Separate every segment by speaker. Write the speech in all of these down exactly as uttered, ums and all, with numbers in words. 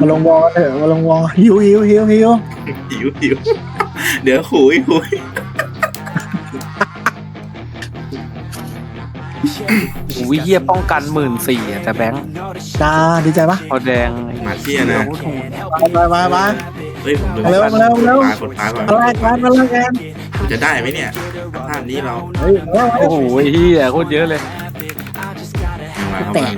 Speaker 1: มาลงวอลเถอะมาลงวอลหิวหิวหิวหิว
Speaker 2: หิวหิวเดี๋ยวหุยหุย
Speaker 3: โอ้ยเฮียป้องกันหมื่นสี่แต่แบงค์
Speaker 1: จ้าดีใจปะ
Speaker 3: พอแดง
Speaker 2: มาเที่ยนะ
Speaker 1: มามามา
Speaker 2: เฮ้ยผมลืม
Speaker 1: เร็วเร็วเร็ว
Speaker 2: ปลากดปลาก่อน
Speaker 1: อะไรกันอะไรกัน
Speaker 2: ผมจะได้ไหมเนี่ยภาพนี้เรา
Speaker 1: เฮ้ยเร็ว
Speaker 3: โอ้โหเฮียโคตรเยอะเลย
Speaker 2: ยังมาเข้ามา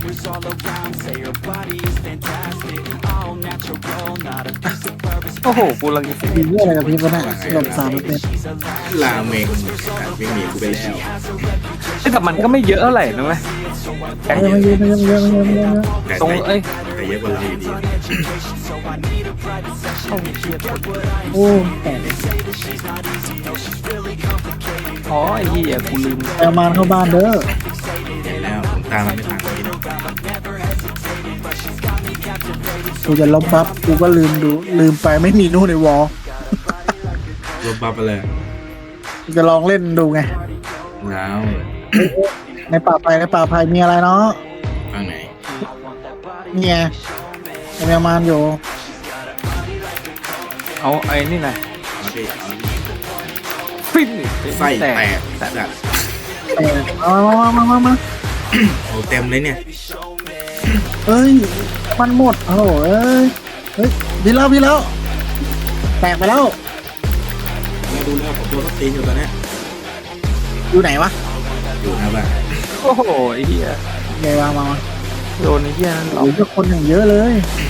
Speaker 3: โอ้โหกูรัง
Speaker 1: ดีเยี่ยอะไรกับพี่ปะเนี่ยหลบสามเป็น
Speaker 2: ลาเมงวิ่งหนีกูไปแล้ว
Speaker 3: แต่มันก็ไม่เยอะเท่าไหร่นะเว้ยแบงค์
Speaker 1: ไม่เยอะไม่เยอะไม่เยอะไม่เยอะไม่เยอะ
Speaker 2: แต่
Speaker 3: ตรงเอ้ย
Speaker 2: แต่เยอะกว่าเราอยู่ดี
Speaker 1: โอ้แต่
Speaker 3: อ๋อไอ้เฮียกูลืม
Speaker 1: แอลมานเข้าบ้านเด้อ
Speaker 2: เห็นแล้วผมตามมันไม่ทันเลย
Speaker 1: กูจะลบบัฟกูก็ลืมดูลืมไปไม่มีนู่นในวอล
Speaker 2: รวบบัฟไปเลย
Speaker 1: กูจะลองเล่นดูไง
Speaker 2: แล้ว
Speaker 1: ในป่าไผ่ในป่าไผ่มีอะไรเนาะ
Speaker 2: ฟังไหน
Speaker 1: เนี่ยแอลมานอยู่
Speaker 3: เอาไอ้นี่นะ
Speaker 2: เอาดิเอาดิ
Speaker 3: ฟิน
Speaker 2: ไส้แตก
Speaker 3: แต่
Speaker 2: จัด
Speaker 1: เออเอามามามามา
Speaker 2: โอ้เต็มเลยเนี่ย
Speaker 1: เฮ้ยมันหมดโอ้โหเอ้ยเฮ้ยพี่แล้วพี่แล้วแตกไปแล้ว
Speaker 2: มาดูแล้วผมโดนรถตีนอยู่ตอนเนี้ย
Speaker 1: อยู่ไหนวะ
Speaker 2: อยู่นะบ้าน
Speaker 3: โอ้โหไอ้เฮีย
Speaker 1: ไงวางมามา
Speaker 3: โดนไอ้เฮียนั่นหรอ
Speaker 1: โอ้ยเจ้าคนอย่างเยอะเลย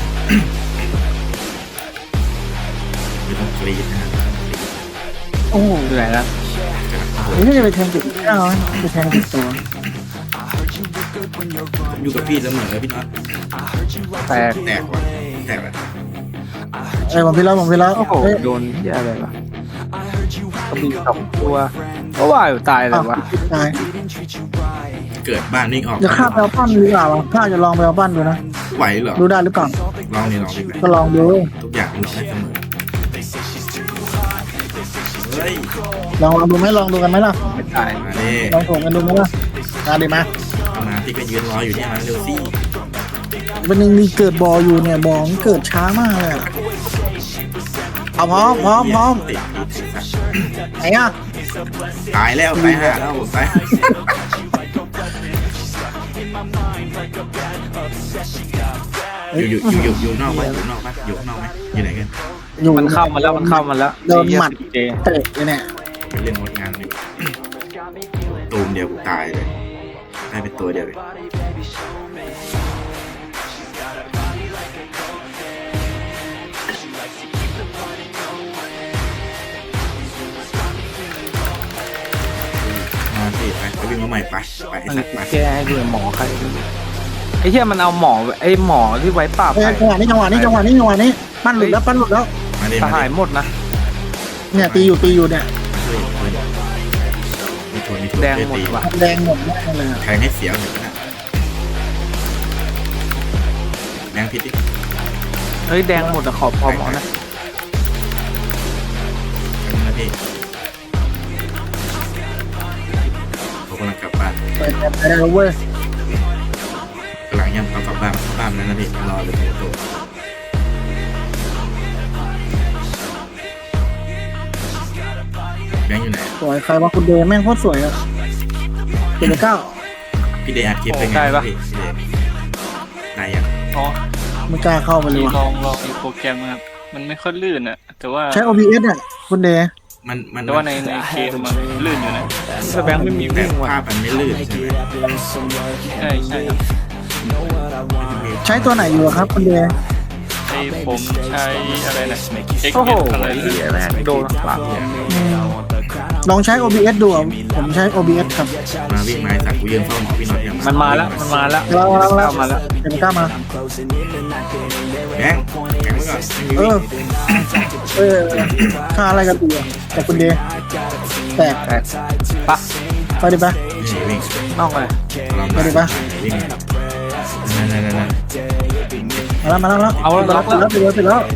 Speaker 2: ไม่ต้องกรีดนะ
Speaker 1: โอ้โห
Speaker 3: อยู่ไหนละ
Speaker 1: นี่จะไปแทงจุดเก้าไหมไปแทงจุดตัว
Speaker 2: ผมอยู่กับพี่เสมอพี่น็อต
Speaker 3: แตก
Speaker 2: แตกว่ะแตกว่ะ
Speaker 1: เอ้ยผมพี่แล้วผมพี่แล้ว
Speaker 3: โอ้โห
Speaker 1: เฮ้ย
Speaker 3: โดนเฮียอะไรวะกระบี่สองตัวก็ว่าอยู่ตายเลยวะ
Speaker 1: ตาย
Speaker 2: เกิดบ้านวิ่งออก
Speaker 1: จะฆ่าไปเอาปั้นหรือเปล่าวะข้าจะลองไปเอาปั้นดูนะ
Speaker 2: ไหวเหรอ
Speaker 1: ดูได้หรือเปล่า
Speaker 2: ลองนี่ลองดิไหม
Speaker 1: ก็ลองดู
Speaker 2: ทุกอย่างมันลองได้เสมอเฮ้ย
Speaker 1: ลองลองดูไหมลองดูกันไหมล่ะ
Speaker 3: ไม่ตาย
Speaker 2: มาดิ
Speaker 1: ลองโถมกันดูไหมล่ะมาดิมา
Speaker 2: เอามาพี่ก็ยืนรออยู่เนี่ยมาเร็วสิ
Speaker 1: เป็นยังมีเกิดบออยู่เนี่ยบอมันเกิดช้ามากเลยอะเอาพร้อมพร้อมพร้อม
Speaker 2: ติดติดสัตว์
Speaker 1: ไหนอ่ะ
Speaker 2: ตายแล้วตายห่าแล้วผมตายอยู่อยู่อยู่อยู่อยู่นอกไหมอยู่นอกไหมอยู่นอกไหมอยู่ไหนกัน
Speaker 1: อยู่
Speaker 3: มันเข้ามาแล้วมันเข้ามาแล้ว
Speaker 1: โดนหมัด
Speaker 3: เจ
Speaker 1: เตะเลยเนี่ย
Speaker 2: ไปเล่นมดงานเลยตูมเดียวกูตายเลยได้เป็นตัวเดียวเลยมาสิไปไปวิ่งมาใหม่ไปไปไอ้
Speaker 3: มัน
Speaker 2: สัตว์ไป
Speaker 3: แก้ให้ดูหมอใครไอ้เหี้ยมันเอาหมอไอ้หมอที่ไว้ปราบ
Speaker 1: เอ้ย
Speaker 3: ใคร
Speaker 1: จังหวะนี้จังหวะนี้จังหวะนี้จังหวะนี้ปั้นหลุดแล้วปั้นหลุดแล้ว
Speaker 2: มาดิ
Speaker 3: ส
Speaker 2: มา
Speaker 3: หาย
Speaker 2: ดิ
Speaker 3: หมดนะ
Speaker 1: เนี่ยตีอยู่ตีอยู่เนี่ย
Speaker 2: เฮ้ยเฮ้ยมีทวนมีทวน
Speaker 3: แดงหมดว่ะ
Speaker 1: แดงหมดแน่เลยอะ
Speaker 2: แทงให้เสียวหน่อยนะแดงพิษดิ
Speaker 3: เฮ้ยแดงหมดอะขอพอหมอนะ
Speaker 2: นะพี่ผมกำลังกลับบ้าน
Speaker 1: เปิดแบบไปได้แล้วเว้ย
Speaker 2: กำลังย่ำเอากลับบ้านกลับบ้านแล้วนะพี่รอเลยตัวแบงค์อยู่ไหน
Speaker 1: สวยใครว่าคุณเดย์แม่งโคตรสวยอะเจ็ดเก้า
Speaker 2: พี่เดย์อัดคลิปเป็นไงบ้างพี่พี่เดย์นายยัง
Speaker 4: อ๋อ
Speaker 1: ไม่กล้าเข้าไปเลย
Speaker 4: ที่
Speaker 1: ว่ะ
Speaker 4: ลองลองอีกโปรแกรมครับ มันไม่ค่อยลื่นอะแต่ว่า
Speaker 1: ใช้ โอ บี เอส เนี่ยคุณเดย์
Speaker 2: มันมัน
Speaker 4: แต่ว่าในในเกมมันลื่นอยู่นะ
Speaker 3: แต่แบงค์ไม่มี
Speaker 2: แต่
Speaker 3: วิ่งว่ะ
Speaker 2: ภาพมันไม่ลื่นใช่ไหม
Speaker 4: ใช่ใช่ครับ
Speaker 1: ใช้ตัวไหนอยู่อะครับคุณเดย์
Speaker 4: ไอผมใช้อะไรนะ X
Speaker 3: โอ้โห
Speaker 4: อะไร
Speaker 3: ไอ้เหี้ยแม่งโดนปราบเนี่ย
Speaker 1: อืมลองใช้ โอ บี เอส ดูอะผมใช้ โอ บี เอส ครับ
Speaker 2: มาวิ่งมาสัตว์กูยืนเฝ้าหมอพี่น็อตยัง
Speaker 3: มันมาแล้วมันมาแล้ว
Speaker 1: แล้วแล้วแล้ว
Speaker 3: เข้ามาแล้ว
Speaker 1: เจ็ดเก้ามา
Speaker 2: แบงค์แบงค์ไว้ก่อนไม่มี
Speaker 1: เอ
Speaker 2: วิ่
Speaker 1: อง เออค่าอะไรกันตีอะแต่คุณเดย์แตก
Speaker 3: แตกปะ
Speaker 1: ไปดิปะ
Speaker 2: นี่วิ่ง
Speaker 3: นอกเลย
Speaker 2: ลอง
Speaker 1: ไปดิปะ
Speaker 2: วิ่งนั่นนั่นนั่นนั่น
Speaker 1: มาแล้วมาแล้ว
Speaker 3: เอาแล้ว
Speaker 1: มา
Speaker 3: ล็อกแล้ว
Speaker 1: แล้วไปแล้วไปแล้ว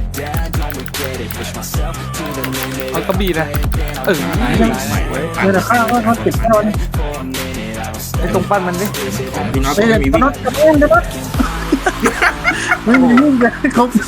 Speaker 3: เอากระบี่นะเออ
Speaker 1: เดี๋ยวข้าวเขาเก็บข้าวนี่
Speaker 3: ไอ้ตรงปั้นมันดิ
Speaker 2: ของพี่น็อต
Speaker 1: เฮ้ย
Speaker 2: ไม่มี
Speaker 1: กระ
Speaker 2: วิ่ง
Speaker 1: น็อตกระเด้งกระน็อตไม่มีลูกเลยเขาไป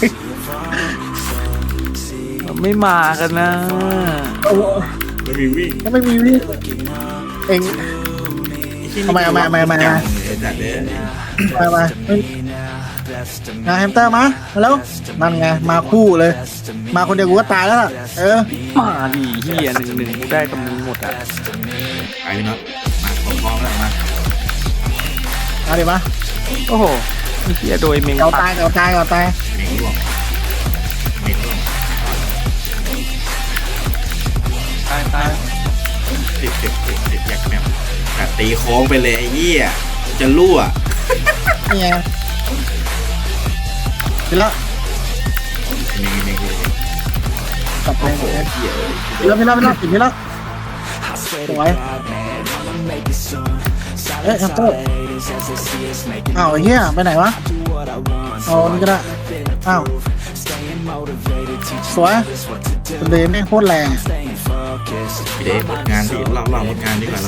Speaker 3: ไม่มากันนะ
Speaker 1: เอา
Speaker 2: ไม่มีวิ่ง
Speaker 1: ก็ไม่มีวิ่งเอง ทำไมทำไมทำไมทำไม
Speaker 2: จังเลยจัดเลย
Speaker 1: มามางานแฮมสเตอร์มามาแล้วนั่นไงมาคู่เลย มาคนเดียวกูก็ตายแล้วล่ะเออ
Speaker 3: มาดิเฮียหนึ่งหนึ่งกูได้กับมึงหมดอ่ะ
Speaker 2: ไปพี่น็อตมาพร้อมๆแล้วมา
Speaker 1: มาดิมา
Speaker 3: โอ้โหไอ้เฮียโดยเมง
Speaker 1: เกา
Speaker 3: ปั
Speaker 1: ตายเกาตายเกาตาย
Speaker 2: เมงร่วงเมงร่วง
Speaker 4: ตายตาย
Speaker 2: ติดติดติดติดแยกแมวแต่ตีโค้งไปเลยไอ้เหี้ยจะรั่ว
Speaker 1: นี่ไงกินละ
Speaker 2: เมงเมงเลย
Speaker 1: กลับไป
Speaker 2: โอ้โหเหี้ย
Speaker 1: กินละกินละกินละกินละสวยเอ๊ะแฮมสเตอร์อ้าวไอ้เหี้ยไปไหนวะเอานี่ก็ได้อ้าวสวยเดนไม่โคตรแรง
Speaker 2: พี่เดชหมดงานพี่เราเราหมดงานดีกว่าเรา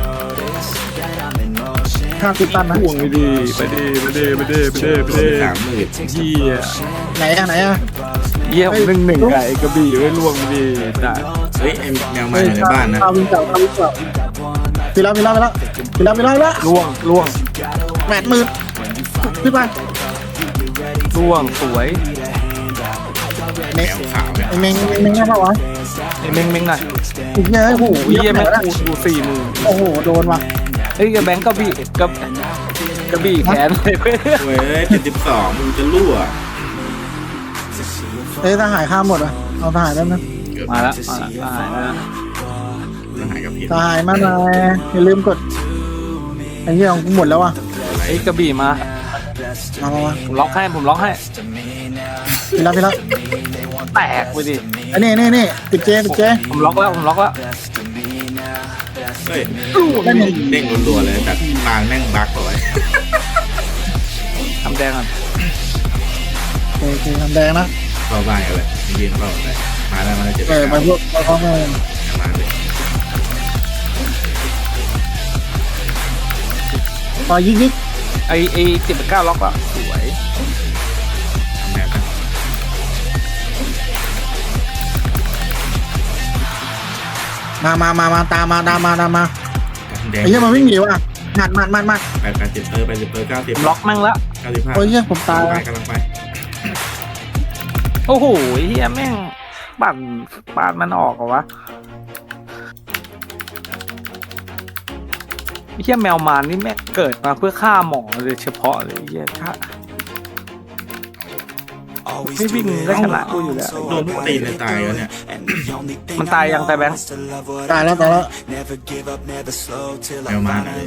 Speaker 1: ข้าวติดตันนะ
Speaker 3: ห่วงไปดิไปดิไปดิไปดิไปดิไป
Speaker 2: โด
Speaker 3: ดิ
Speaker 2: นสามหมื่น
Speaker 3: เฮีย
Speaker 1: ไหนอะไหนอะ
Speaker 3: เฮียหนึ่งหนึ่งไก่กระบี่ไว้ล่วงไปดิจ้ะ
Speaker 2: เฮ้ยไอ้แมวมาอยู่ในบ้านนะ
Speaker 1: ข้าววิ่งเก่าข้าววิ่งเก่าไปแล้วไปแล้วไปแล้วไปแล้วไปแล้วไปแล้ว
Speaker 3: ล่วงล่วง
Speaker 1: แปดหมื่นขึ้นไป
Speaker 3: ล่วงสวย
Speaker 2: แมวขาวเนี่ย
Speaker 1: ไอ้เมงไอ้เมงได้ปะวะ
Speaker 3: ไอ้เมงเมงหน่อย
Speaker 1: อีกเยอะโอ้โห
Speaker 3: เฮียแม่ง
Speaker 1: แล้ว
Speaker 3: กูกูสี่หมื่น
Speaker 1: โอ้โหโดนว่ะ
Speaker 3: เฮ้ยแบงก์กระบี่กระกระบี่แขนเลยเว้ย
Speaker 2: เว้ยเจ็ดสิบสองมึงจะรั่ว
Speaker 1: เอ้ยทหารข้ามหมดอ่ะเอาทหารได้ไหม
Speaker 2: เกือบ
Speaker 3: มาแล้วมาแล้วมาแล้ว
Speaker 2: จะหายกับพี่
Speaker 1: ทหารมาหน่อยอย่าลืมกดไอ้เหี้ยของกูหมดแล้วอ่ะ
Speaker 3: ไอ้กระบี่มา
Speaker 1: มามามา
Speaker 3: ผมล็อกให้ผมล็อกให้
Speaker 1: พี่ละพี่ละ
Speaker 3: แตกไปดิ
Speaker 1: อันนี้นี่นี่ติดเจติดเจ
Speaker 3: ผมล็อกแล้วผมล็อกแล้ว
Speaker 2: เฮ้ยเด้งรัวๆเลยแต่ปางแม่งบั๊กเอาไว้
Speaker 3: ทำแดงก่อน
Speaker 1: โอเคทำแดงนะ
Speaker 2: เข้าบ้านกันเลยยืนเข้าเลยมาแล้วมาแล้วเจ็ด
Speaker 1: เออมาพวกมาพร้อมกัน
Speaker 2: มาเลย
Speaker 1: ต่อยิกยิก
Speaker 3: ไอไอเจ็ดเก้าล็อกอ่ะสวย
Speaker 2: ทำแบบนั้น
Speaker 1: มามามามาตามมาตามมาตามมา
Speaker 2: แดง
Speaker 1: ไอ้เหี้ยมันวิ่งหนีว่ะหัดมันมันมัน
Speaker 2: แปดแปดสิบเออแปดสิบเออเก้าสิบ
Speaker 3: ผมล็อกแม่งแล้ว
Speaker 2: เก้าสิบห้า
Speaker 1: โอ้ยเหี้ยผมตาย
Speaker 2: ไป
Speaker 1: ว่ะ
Speaker 2: กำลังไป
Speaker 3: โอ้โหเฮียแม่งปั่นปั่นมันออกเหรอวะเฮียแมวมารนี่แม่งเกิดมาเพื่อฆ่าหมอเลยเฉพาะเลยเฮียถ้าไม่วิ่งได้ขนาดกูอยู่แล้ว
Speaker 2: โดนตีนเลยตายแล้วเนี่ย
Speaker 3: มันตายยังตายแบงค์
Speaker 1: ตายแล้วตายแล้ว
Speaker 2: แมวมาเลย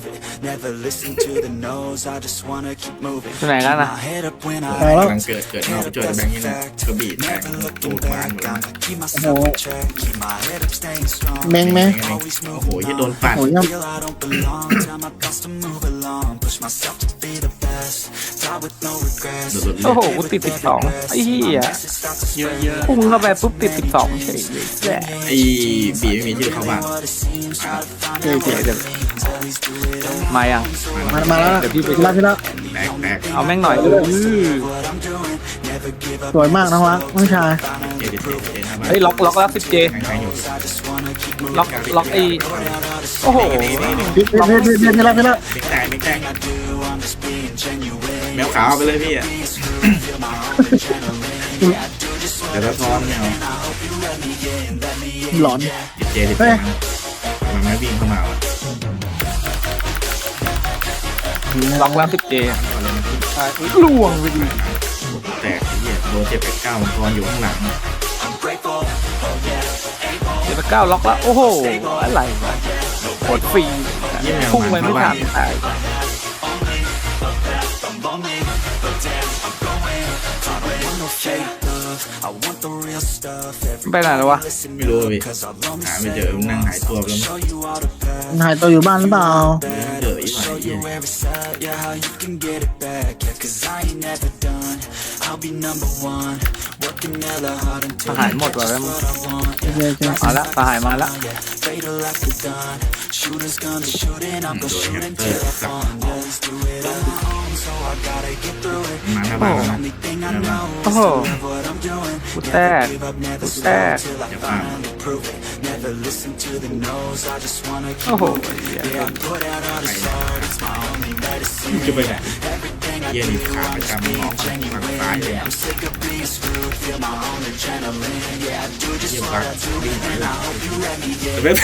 Speaker 3: ที่ไหนกันนะ
Speaker 1: ตายแล้ว
Speaker 2: กำลังเกิดเกิดนอกไปช่วยแบงค์นี่นะกระบี่แตกตูดบานหมดแล้ว
Speaker 1: โอ้โหเมงเมง
Speaker 2: โอ้โหยี่โดนปั่น
Speaker 1: โอ้ยยัง
Speaker 2: สุดๆเล
Speaker 3: โอ้โห
Speaker 2: ย
Speaker 3: กูติดสิบสองไอ้เหี้ย
Speaker 4: เยอะเยอะ
Speaker 3: พุ่งเข้าไปปุ๊บติดสิบสองเฉยเลยแหละ
Speaker 2: ไอ้บีไม่มีชื่อเข้าบ้าน
Speaker 3: เจ๋เจ๋เดี๋ยวมายัง
Speaker 1: มามาแล้วพี่ละพี่ละ
Speaker 2: แตกแตก
Speaker 3: เอาแม่งหน่อยเออ
Speaker 1: สวยมากน้องรักน้องชาย
Speaker 2: เจดิเจเจหน้าบ้าน
Speaker 3: เฮ้ยล็อกล็อกแล้วสิบเจ
Speaker 2: แข่งๆอยู่
Speaker 3: ล็อกล็อกไอ้โอ้โห
Speaker 1: พี่พี่พี่พี่พี่ละพี่ละ
Speaker 2: มิกแตกมิกแตกแมวขาวไปเลยพี่อะเดี๋ยวเราซ้อนแมว
Speaker 1: หลอน
Speaker 2: ดิเจดิเจมันไม่วิ่งเข้ามาวะ
Speaker 3: ล็อกแล้วสิบเจล่วงไปดิ
Speaker 2: แตกไอ้เหี้ยโดนเจ็บแปดเก้ามังกรอยู่ข้างหลัง
Speaker 3: เดี๋ยวไปเก้าล็อกแล้วโอ้โหอะไรวะโคตรฟรีพุ่งไปไม่ทันตายไปไหนแล้ววะ
Speaker 2: ไม่รู้อะพี่หาไม่เจอมันนั่งหายตัวไปแล้วมั้ง
Speaker 1: หายตัวอยู่บ้านหรือเปล่า
Speaker 2: เจออีกหน่อยไอ้เหี้ย
Speaker 3: ทหารหมดว่ะแล้ว
Speaker 1: โอเคโอเค
Speaker 3: มาแล้วทหารมาแล้ว
Speaker 2: โดนแฮมสเตอร์สับมาหน้าน้าบ้านแล้วนะหน้าบ้าน
Speaker 3: โอ้โหกูแตกกูแตก
Speaker 2: จะบ้าน
Speaker 3: โอ้โหเหี้ย
Speaker 2: จะไปไหนเยี่ยนี่ขาประจำหมอกฝั่งซ้ายเลยเยี่ยมบักวิ่งไปแล้วแต่แบบ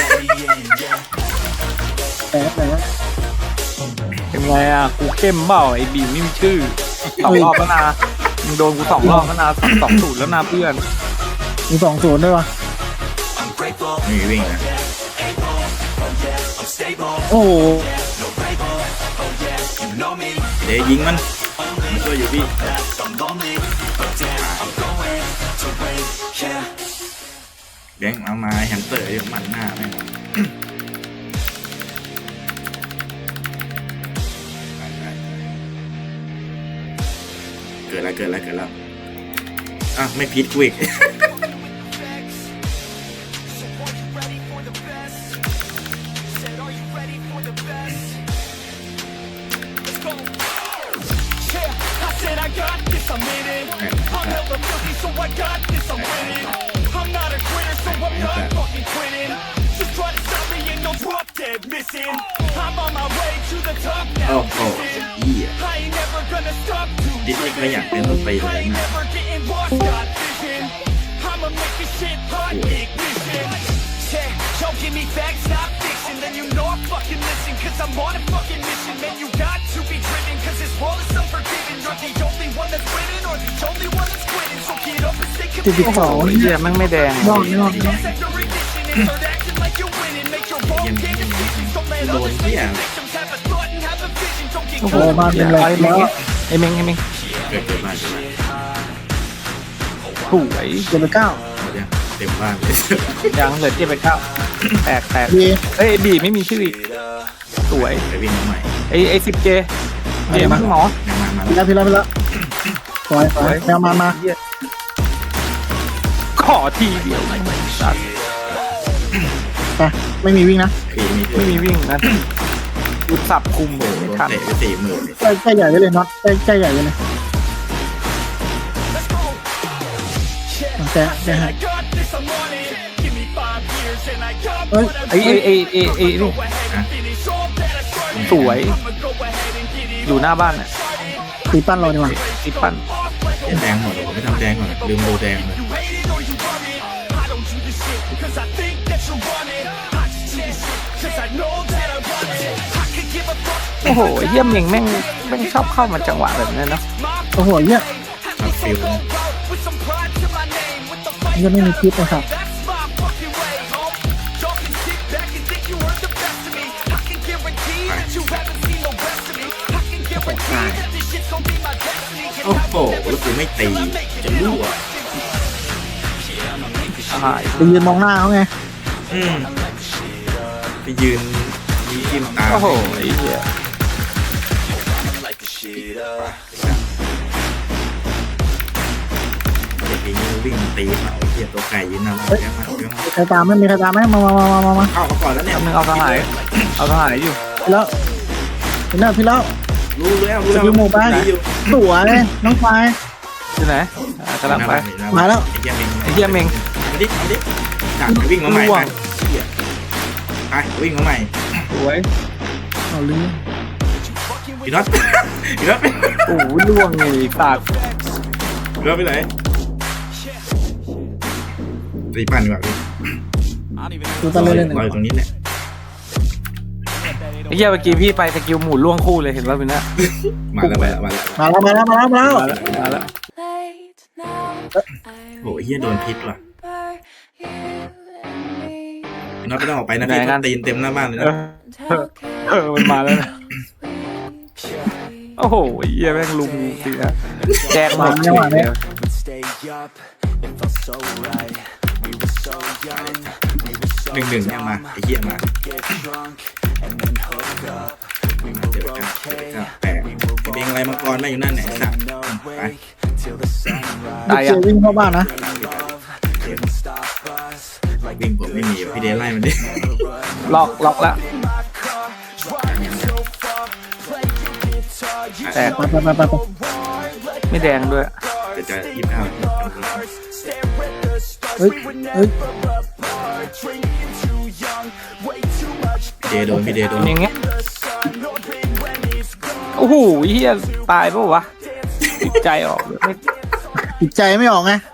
Speaker 1: แต่แต่
Speaker 3: เป็นไงอ่ะกูเข้มเปล่าไอ้บีมไม่มีชื่อสองรอบแล้วนะมึงโดนกูสองรอบแล้วนะสองสองศูนย์แล้วนะเพื่อน
Speaker 1: มีสองศูนย์ด้วยวะ
Speaker 2: ไม่มีวิ่งนะ
Speaker 1: โอ้โห
Speaker 2: เดี๋ยวยิงมันมันช่วยอยู่พี่แบงค์เอามาแฮมสเตอร์อยู่มันหน้าแม่งเกิดแล้วเกิดแล้วเกิดแล้วอ่ะไม่พิษกูอีก โอ้โหเหี้ยดิสนี่ก็อยากเป็นรถไฟเลยนะ
Speaker 1: สี่สิบ
Speaker 3: โอ้โห
Speaker 1: สอง
Speaker 3: เหี้ยแม่งไม่แดง
Speaker 1: นอกนอกนอก
Speaker 2: ยังโดนเหี้ย
Speaker 3: โอ้โห
Speaker 1: โอ้มาเป็นไร
Speaker 3: ไอ้เม้
Speaker 1: แล้
Speaker 3: ง
Speaker 1: ว
Speaker 3: ไอ้เม้งไอ้เม้ง
Speaker 2: เกิดเกิดบ้านเกิดบ้าน
Speaker 3: สวย
Speaker 1: เจ็ดไปเก้า
Speaker 2: หมดยังเต็มบ้านเลย
Speaker 3: ยังเหลือเจ็ดไปเก้าแตกแตก
Speaker 1: ดี
Speaker 3: เอ้ยบีไม่มีชื่ออีกสวย
Speaker 2: ไปวิ่งมาใหม่
Speaker 3: ไอ้ไอ้สิบเจเจมั้งหมอ
Speaker 2: ยังมามา
Speaker 1: พี่แล้วพี่แล้วพี่แล้วสวยสวยแมวมามา
Speaker 3: เหี้ยขอทีเดียวไม่สัตว์
Speaker 1: ไปไม่มีวิ่งนะ
Speaker 2: ปีมี
Speaker 3: ไม่มีวิ่งนะกูสับคุม
Speaker 2: โอ้โห
Speaker 3: ไม่
Speaker 2: โดน
Speaker 3: ทัน
Speaker 2: เตะไปสี่หมื่น
Speaker 1: ใกล้ใกล้ใหญ่ไว้เลยน็อตใกล้ใกล้ใหญ่ไว้เลยแกะแกะให้เฮ้ย
Speaker 3: ไอ้ไอ้ไอ้ไอ้ไอ้นี่
Speaker 2: นะ
Speaker 3: สวย อยู่หน้าบ้านอ่ะ
Speaker 1: ตีปั้นเราดีกว่า
Speaker 3: ติดปั้น
Speaker 2: เหี้ยแดงหมดผมไม่ทำแดงก่อนลืมโบแดงเลย
Speaker 3: โอ้โหเยี่ยมเองแม่งแม่งชอบเข้ามาจังหวะแบบนี้เนาะ
Speaker 1: โอ้โหเหี้ย
Speaker 2: มาฟิล
Speaker 1: ยังไม่มีคลิปเลยครับ
Speaker 2: โอ้โหแล้วกูไม่ตีจะรั่ว
Speaker 3: หาย
Speaker 1: ไปยืนมองหน้าเขาไง
Speaker 2: อืมไปยืนยิ้มยิ้มตา
Speaker 3: โอ้โหไอ้เหี้ย
Speaker 2: เด็กอย่างนี้วิ่งตีเขาเหี้ยตัวไก่ยืนนำเยอะมากเยอะมาก
Speaker 1: ใครตามไหม่มีใครตามไหมมามามามามามา
Speaker 2: เข้ามาก่อนแล้วเนี่ย
Speaker 3: ทำนึงเอาสหายเอาสหายอยู่
Speaker 1: พี่แล้วพี่แล้วพี่แล้ว
Speaker 2: รู้แล้วรู้แล้ว
Speaker 1: สกิลหมู่บ้าน
Speaker 2: อยู่
Speaker 1: สวยน้องไฟ
Speaker 3: ที่ไหนอ่ะกำลังไป
Speaker 1: มาแล้ว
Speaker 2: ไอ้เหี้ยเมง
Speaker 3: ไอ้เหี้ยเมง
Speaker 2: เอาดิเอาดิจัดไปวิ่งมาใหม่ไปเหี้ยไปวิ่งมาใหม่
Speaker 3: สวย
Speaker 1: เอาลืม
Speaker 2: พี่น็อตพี่น็อต
Speaker 3: โอ้โหล่วงเลยปาก
Speaker 2: พี่น็อตไปไหนตีปั่นดีกว่าพี่
Speaker 1: ดูตะเลยเลยหนึ่ง
Speaker 2: รออยู่ตรงนี้แหละ
Speaker 3: ไอ้เหี้ยเมื่อกี้พี่ไปสกิลหมุนล่วงคู่เลยเห็นป่ะพี่นะ
Speaker 2: มาแล้วมาแล้วมาแล้ว
Speaker 1: มาแล้วมาแล้วมาแล้วมาแล้ว
Speaker 3: มาแล้วมาแล้ว
Speaker 2: โอ้ยเฮียโดนพิษว่ะพี่น็อตไม่ต้องออกไปนะพี่เขาตีนเต็มหน้าบ้านเลย
Speaker 3: เอ
Speaker 2: นะ
Speaker 3: อเออมันมาแล้วนะโอ้โหไอ้เหี้ยแม่งลุมสินะแจกมาเฉยเลย
Speaker 2: หนึ่งหนึ่งเนี่ยมาไอ้เหี้ยมาเจ็บกันเจ็บกันแปะไอ้เบงอะไรมังกรไม่อยู่นั่นไหนสัตว์ไป
Speaker 3: ตาย
Speaker 1: เจ
Speaker 3: ยัง
Speaker 1: วิ่งเข้าบ้านนะ
Speaker 2: วิ่งผมไม่มีพี่เดไล่มันดิ
Speaker 3: ล็อกล็อกแล้วแตก
Speaker 1: ไปไปไปไปไป
Speaker 3: ไม่แดงด้วย
Speaker 2: เดี๋ยวจะยี่สิบเก้า
Speaker 1: เฮ้ยเฮ้ย
Speaker 2: พี่เดโดนพี่เดโดน
Speaker 3: อย่างเงี้ยโอ้โหเฮียตายปะวะติดใจออกเลยไม่
Speaker 1: จิตใจไม่ออกไง